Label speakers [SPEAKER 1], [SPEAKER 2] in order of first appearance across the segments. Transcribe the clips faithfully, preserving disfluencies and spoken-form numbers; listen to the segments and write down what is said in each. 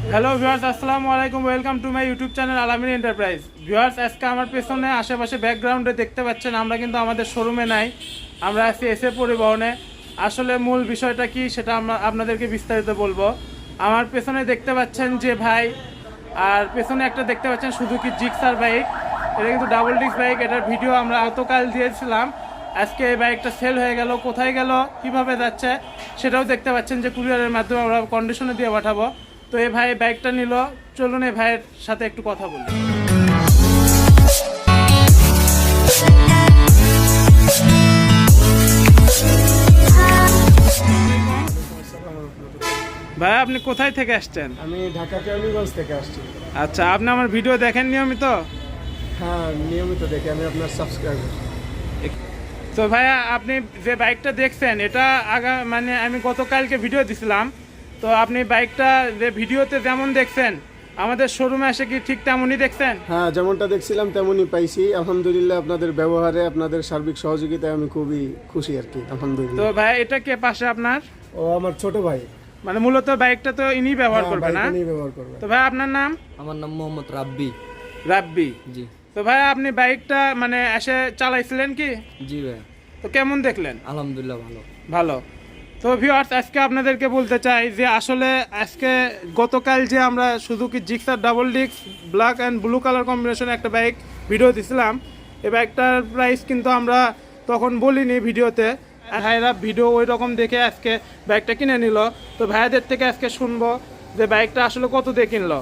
[SPEAKER 1] Hello viewers, আসসালামু আলাইকুম। Welcome to my YouTube channel Alamin enterprise. Viewers, আজকে আমার পেছনে আশেপাশে ব্যাকগ্রাউন্ডে দেখতে পাচ্ছেন আমরা কিন্তু আমাদের শোরুমে নাই, আমরা আছি এসে পরিবহনে। আসলে মূল বিষয়টা কি সেটা আমরা আপনাদেরকে বিস্তারিত বলবো। আমার পেছনে দেখতে পাচ্ছেন যে ভাই, আর পেছনে একটা দেখতে পাচ্ছেন সুজুকি জিক্সার বাইক। এটা কিন্তু ডাবল ডিস্ক বাইক। এটার ভিডিও আমরা গতকাল দিয়েছিলাম। আজকে এই বাইকটা সেল হয়ে গেল, কোথায় গেল, কিভাবে যাচ্ছে সেটাও দেখতে পাচ্ছেন যে কুরিয়ারের মাধ্যমে আমরা কন্ডিশনে দিয়ে পাঠাবো। তো এই ভাই বাইকটা নিল, চলুন এই ভাইয়ের সাথে একটু কথা বলি। ভাই, আপনি কোথায় থেকে আসছেন?
[SPEAKER 2] আমি ঢাকা কেরানীগঞ্জ থেকে আসছি।
[SPEAKER 1] আচ্ছা, আপনি আমার ভিডিও দেখেন নিয়মিত?
[SPEAKER 2] হ্যাঁ, নিয়মিত দেখি, আমি আপনার সাবস্ক্রাইবার।
[SPEAKER 1] তো ভাইয়া, আপনি যে বাইকটা দেখছেন এটা আগা মানে আমি গতকালকে ভিডিও দিছিলাম। তো আপনি বাইকটা যে ভিডিওতে যেমন দেখছেন আমাদের শোরুমে এসে কি ঠিক তেমনই দেখছেন?
[SPEAKER 2] হ্যাঁ, যেমনটা দেখছিলাম তেমনই পাইছি। আলহামদুলিল্লাহ, আপনাদের ব্যবহারে, আপনাদের সার্বিক সহযোগিতায় আমি খুবই খুশি আর কি।
[SPEAKER 1] তো
[SPEAKER 2] আলহামদুলিল্লাহ।
[SPEAKER 1] ভাই, এটা কে পাশে আপনার?
[SPEAKER 2] ও আমার ছোট ভাই।
[SPEAKER 1] মানে মূলত বাইকটা তো ইনি ব্যবহার
[SPEAKER 2] হ্যাঁ,
[SPEAKER 1] করবে না?
[SPEAKER 2] বাইকটা নিয়ে ব্যবহার করবে।
[SPEAKER 1] তো ভাই, আপনার নাম?
[SPEAKER 3] আমার নাম মোহাম্মদ রাব্বি।
[SPEAKER 1] রাব্বি।
[SPEAKER 3] জি
[SPEAKER 1] তো ভাই, আপনি বাইকটা মানে এসে চালাইছিলেন কি?
[SPEAKER 3] জি ভাই,
[SPEAKER 1] তো কেমন দেখলেন?
[SPEAKER 3] আলহামদুলিল্লাহ ভালো।
[SPEAKER 1] ভালো। তো ভিউয়ার্স, আজকে আপনাদেরকে বলতে চাই যে আসলে আজকে গতকাল যে আমরা Suzuki Gixxer double disc black and blue colour কম্বিনেশনে একটা বাইক ভিডিও দিছিলাম। এই বাইকটার প্রাইস কিন্তু আমরা তখন বলিনি ভিডিওতে। ভাইরা ভিডিও ওই রকম দেখে আজকে বাইকটা কিনে নিল। তো ভাইয়াদের থেকে আজকে শুনবো যে বাইকটা আসলে কত দিয়ে কিনলো।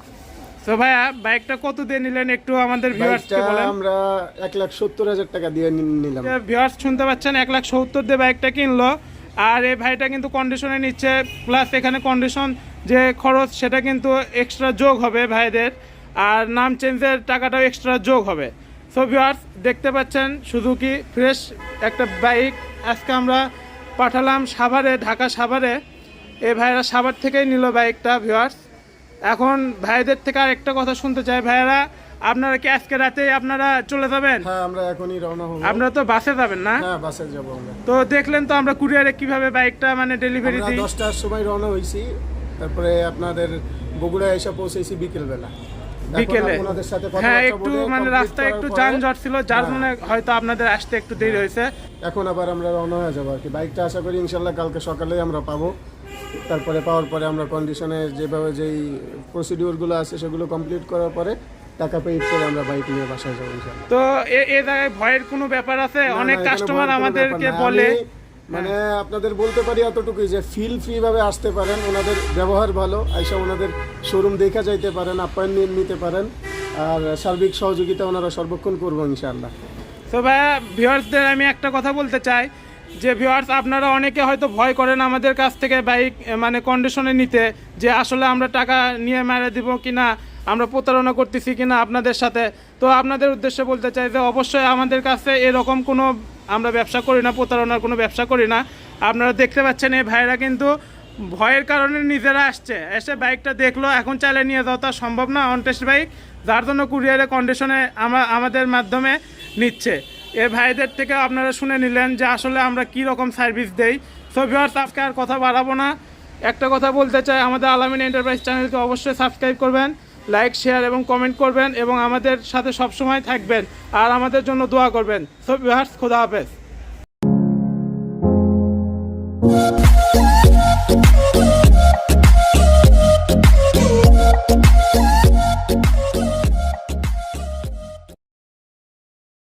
[SPEAKER 1] তো ভাইয়া, বাইকটা কত দিয়ে নিলেন একটু আমাদের ভিউয়ার্সকে
[SPEAKER 2] বাইকটা
[SPEAKER 1] বলেন।
[SPEAKER 2] আমরা এক লাখ সত্তর হাজার টাকা দিয়ে নি- নিলাম।
[SPEAKER 1] ভিউয়ার্স শুনতে পাচ্ছেন, এক লাখ সত্তর দিয়ে বাইকটা কিনলো। আর এই ভাইটা কিন্তু কন্ডিশনে নিচ্ছে, প্লাস এখানে কন্ডিশন যে খরচ সেটা কিন্তু এক্সট্রা যোগ হবে ভাইদের, আর নাম চেঞ্জের টাকাটাও এক্সট্রা যোগ হবে। সো ভিউয়ার্স, দেখতে পাচ্ছেন সুজুকি ফ্রেশ একটা বাইক আজকে আমরা পাঠালাম সাভারে, ঢাকা সাভারে। এই ভাইরা সাভার থেকেই নিল বাইকটা। ভিউয়ার্স, এখন ভাইদের থেকে আর একটা কথা শুনতে চাই। ভাইয়েরা, আপনারা কি আজকে রাতে আপনারা চলে যাবেন?
[SPEAKER 2] হ্যাঁ, আমরা এখনই রওনা হব।
[SPEAKER 1] আপনারা তো বাসে যাবেন না?
[SPEAKER 2] হ্যাঁ, বাসে যাব আমরা।
[SPEAKER 1] তো দেখলেন তো আমরা কুরিয়ারে কিভাবে বাইকটা মানে ডেলিভারি
[SPEAKER 2] আমরা
[SPEAKER 1] দিই।
[SPEAKER 2] দশটার সময় রওনা হয়েছি, তারপরে আপনাদের বগুড়ায় এসে পৌঁছেছি বিকেলবেলা।
[SPEAKER 1] বিকেলে?
[SPEAKER 2] এখন আপনাদের সাথে
[SPEAKER 1] হ্যাঁ,
[SPEAKER 2] কথাবার্তা
[SPEAKER 1] একটু
[SPEAKER 2] বলে
[SPEAKER 1] মানে
[SPEAKER 2] complete
[SPEAKER 1] রাস্তায়
[SPEAKER 2] করার
[SPEAKER 1] একটু
[SPEAKER 2] পরে-
[SPEAKER 1] যানজট ছিল, যার
[SPEAKER 2] হ্যাঁ।
[SPEAKER 1] জন্য হয়তো আপনাদের আসতে একটু দেরি হয়েছে।
[SPEAKER 2] এখন আবার আমরা রওনা হয়ে যাবো আর কি। বাইকটা আশা করি ইনশাল্লাহ কালকে সকালেই আমরা পাবো। তারপরে পাওয়ার পরে আমরা কন্ডিশনে যেভাবে যেই প্রসিডিওরগুলো আছে সেগুলো কমপ্লিট করার পরে টাকা পেইড করে আমরা বাইক নিয়ে বাসায় যাবো ইনশাল্লাহ।
[SPEAKER 1] তো এ- এ জায়গায় ভয়ের কোনো ব্যাপার আছে?
[SPEAKER 2] না,
[SPEAKER 1] অনেক
[SPEAKER 2] না, এখানে
[SPEAKER 1] কাস্টমার
[SPEAKER 2] ভয়ের কোনো
[SPEAKER 1] আমাদেরকে
[SPEAKER 2] ব্যাপার না।
[SPEAKER 1] বলে।
[SPEAKER 2] আমি মানে আপনাদের বলতে পারি এতটুকুই যে ফিল ফ্রি ভাবে আসতে পারেন, ওনাদের ব্যবহার ভালো, আইসা ওনাদের শোরুম দেখা যাইতে পারেন, অ্যাপয়েন্টমেন্ট নিতে পারেন, আর সার্বিক সহযোগিতা ওনারা সর্বক্ষণ করবো ইনশাআল্লাহ।
[SPEAKER 1] তো ভাইয়া, ভিউয়ার্সদের আমি একটা কথা বলতে চাই যে ভিউয়ার্স, আপনারা অনেকে হয়তো ভয় করেন আমাদের কাছ থেকে বাইক মানে কন্ডিশনে নিতে, যে আসলে আমরা টাকা নিয়ে মেরে দিব কিনা, আমরা প্রতারণা করতেছি কিনা আপনাদের সাথে। তো আপনাদের উদ্দেশ্যে বলতে চাই যে অবশ্যই আমাদের কাছে এরকম কোনো আমরা ব্যবসা করি না, প্রতারণার কোনো ব্যবসা করি না। আপনারা দেখতে পাচ্ছেন এই ভাইরা কিন্তু ভয়ের কারণে নিজেরা আসছে, এসে বাইকটা দেখলো, এখন চাইলে নিয়ে যাওয়া তো আর সম্ভব না অনটেস্ট বাইক, যার জন্য কুরিয়ারে কন্ডিশনে আমরা আমাদের মাধ্যমে নিচ্ছে। এ ভাইদের থেকে আপনারা শুনে নিলেন যে আসলে আমরা কি রকম সার্ভিস দেই। সো ভিউয়ার্স, আজকে আর কথা বাড়াবো না, একটা কথা বলতে চাই, আমাদের আলামিন এন্টারপ্রাইজ চ্যানেলকে অবশ্যই সাবস্ক্রাইব করবেন, লাইক, শেয়ার এবং কমেন্ট করবেন, এবং আমাদের সাথে সবসময় থাকবেন আর আমাদের জন্য দোয়া করবেন। সো ভিউয়ার্স, খোদা হাফেজ।